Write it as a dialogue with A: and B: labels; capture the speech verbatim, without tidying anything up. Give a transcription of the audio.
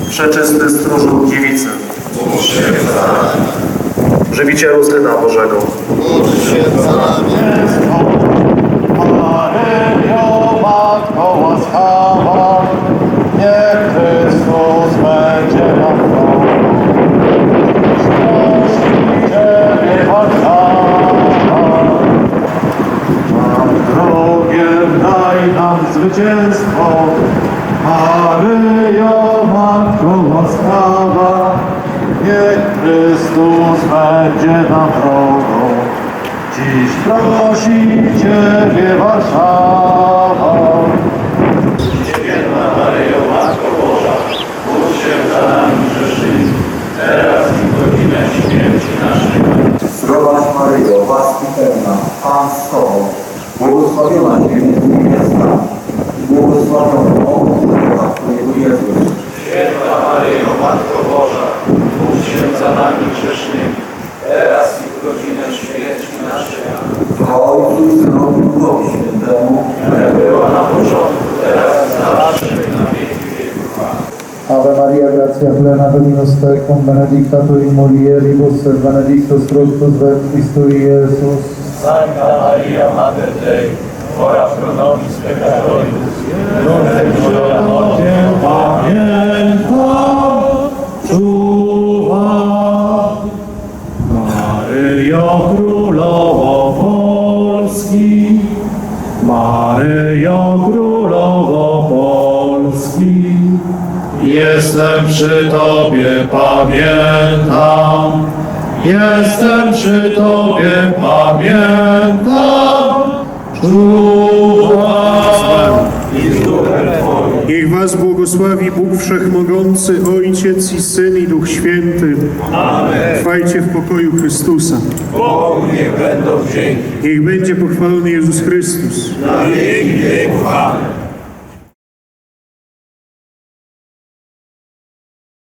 A: Przeczysty stróżu dziewicy,
B: Módl się za nami.
A: żywicielu Syna Bożego,
B: Módl się za nami.
C: Maryjo, Matko łaskawa, niech Chrystus będzie nam drogą. Prosi Ciebie, Warszawa, nad drogiem daj nam zwycięstwo. Maryjo, Matko łaskawa, niech Chrystus będzie nam drogą. Dziś prosi Ciebie Warszawa.
D: Święta Maryjo, Matko Boża, módl się za nami grzesznymi, teraz i w godzinę śmierci naszej.
E: Zdrowaś Maryjo, łaski pełna, Pan z Tobą, błogosławiona Cię między niewiastami i błogosławiony owoc żywota Twojego Jezus.
D: Święta Maryjo, Matko Boża, módl się za nami grzesznymi, teraz i w godzinę śmierci naszej.
E: Chwała Ojcu i Synowi i Duchowi Świętemu,
D: Jak była na początku, teraz i zawsze, i na wieki wieków. Amen.
F: Ave Maria, gratia plena, Dominus tecum, benedicta tu in mulieribus, et benedictus fructus ventris tui, Iesus.
D: Sancta Maria, Mater Dei, ora pro nobis peccatoribus, nunc et in hora mortis.
C: Pamiętam, czuwam, Maryjo Królowo Polski, Maryjo Królowo Polski. Jestem przy Tobie, pamiętam, jestem przy Tobie, pamiętam, czuwam.
G: Niech was błogosławi Bóg Wszechmogący, Ojciec i Syn i Duch Święty.
D: Amen.
G: Trwajcie w pokoju Chrystusa.
D: Bogu niech będą dzięki.
G: Niech będzie pochwalony Jezus Chrystus.
D: Na wieki wieków. Amen.